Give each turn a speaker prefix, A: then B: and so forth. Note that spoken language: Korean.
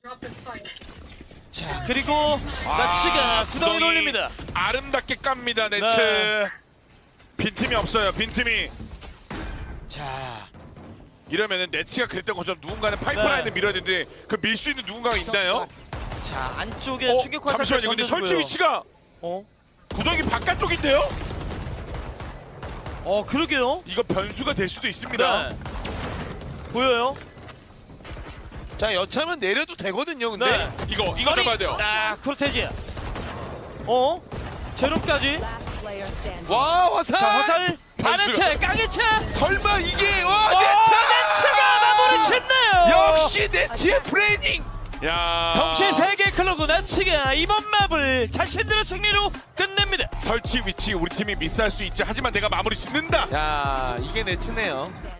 A: 자 그리고 나치가 구덩이를 올립니다.
B: 아름답게 깝니다 네츠.
A: 네.
B: 빈틈이 없어요. 빈틈이.
A: 자
B: 이러면은 네츠가 그랬던 것처럼 누군가는 파이프라인을
A: 네.
B: 밀어야 되는데 그 밀 수 있는 누군가가 있나요?
A: 자 안쪽에 충격 화살
B: 잠시만요. 근데 설치 위치가 구덩이 바깥쪽인데요?
A: 그러게요.
B: 이거 변수가 될 수도 있습니다.
A: 네. 보여요?
C: 자 여차하면 내려도 되거든요. 근데
A: 네.
B: 이거 잡아야 돼요.
A: 크로테지. 제로까지.
C: 와 화살.
A: 자 화살.
B: 변수가.
A: 아래채 깡해채.
C: 설마 이게
A: 네츠가 마무리 짓네요.
C: 역시 네츠의 프레이닝.
B: 야.
A: 덩치 3개 클로그 나치가 이번 맵을 자신들의 승리로 끝냅니다.
B: 설치 위치 우리 팀이 미스할 수 있지. 하지만 내가 마무리 짓는다.
C: 야 이게 네츠네요.